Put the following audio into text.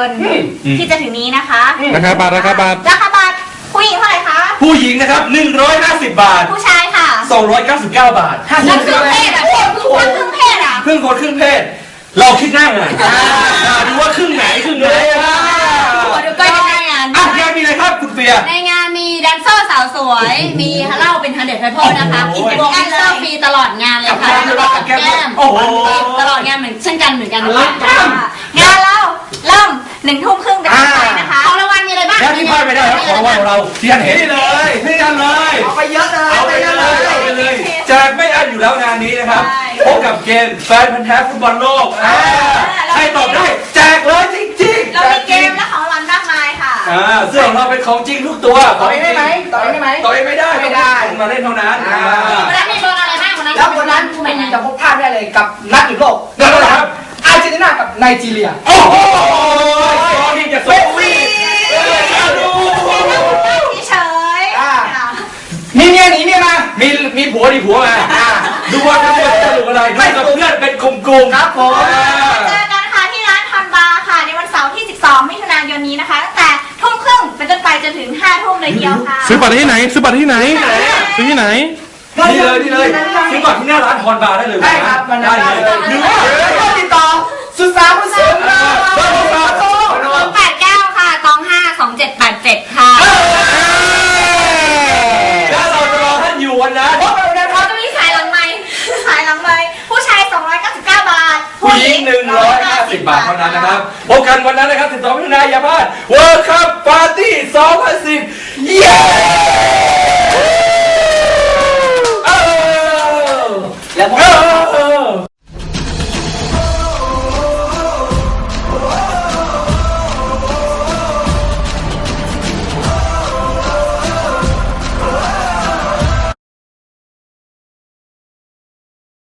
นที่จะถึงนี้นะคะราคาบาทราคาบัตรผู้หญิงเท่าไหร่คะผู้หญิงนะครับ150 บาทผู้ชายค่ะ 299 บาทแล้วครึ่งเพศอ่ะครึ่งเพศอ่ะครึ่งคนครึ่งเพศเราคิดหน้างานดูว่าครึ่งไหนครึ่งไหนหัวดูก้อยในงานงานมีอะไรครับคุณเฟียในงานมีแดนเซอร์สาวสวยมีเหล้าเป็น100 people นะคะวงแดนเซอร์ฟรีตลอดงานเลยค่ะแก้มตลอดงานเหมือนเช่นกันนะคะงานเราเริ่ม1 ทุ่มครึ่งเป็นต้นไปนะคะของรางวัลมีอะไรบ้างแล้วที่พลาดไม่ได้ครับของรางวัลของเราที่ท่านเห็นนี่เลยเอาไปเยอะเลยเอาไปเลยแจกไม่อั้นอยู่แล้วงานนี้นะครับพบกับเกมแฟนพันธุ์แท้ฟุตบอลโลกใครตอบได้แจกเลยจริงๆเรามีเกมและของรางวัลมากมายค่ะเสื้อของเราเป็นของจริงทุกตัวต่อยได้ไหมต่อยไม่ได้มาเล่นเท่านั้นวันนั้นมีโดนอะไรบ้างวันนั้นแล้ววันนั้นคุณจะพบพลาดไม่ได้เลยกับนัดหยุดโลกครับอาร์เจนตินากับไนจีเรียโอ้โหนี่จะส่งวีเฉยมีเมียหนีเมียมามีผัวดีผัวมาดูว่าจะสนุกอะไรดูกับเพื่อนเป็นกลุ่มครับผมเจอกันค่ะที่ร้านทอนบาร์ค่ะในวันเสาร์ที่12 มิถุนายนนี้นะคะตั้งแต่ทุ่มครึ่งเป็นต้นไปจนถึง5 ทุ่มเลยเดียวค่ะซื้อบัตรที่ไหนซื้อนี่เลยซื้อบัตรที่หน้าร้านทอนบาร์ได้เลยได้ครับมันได้เลยหรือว่าติดต่อสุสาผู้สูง 089ค่ะ252787ค่ะแล้วเราจะรอท่านอยู่วันนั้นเขาจะมีสายหลังไมค์ผู้ชาย299 บาทผู้หญิง150 บาทเท่านั้นนะครับพบกันวันนั้นนะครับ12 มิถุนายนอย่าพลาด World Cup Party 2010 เย้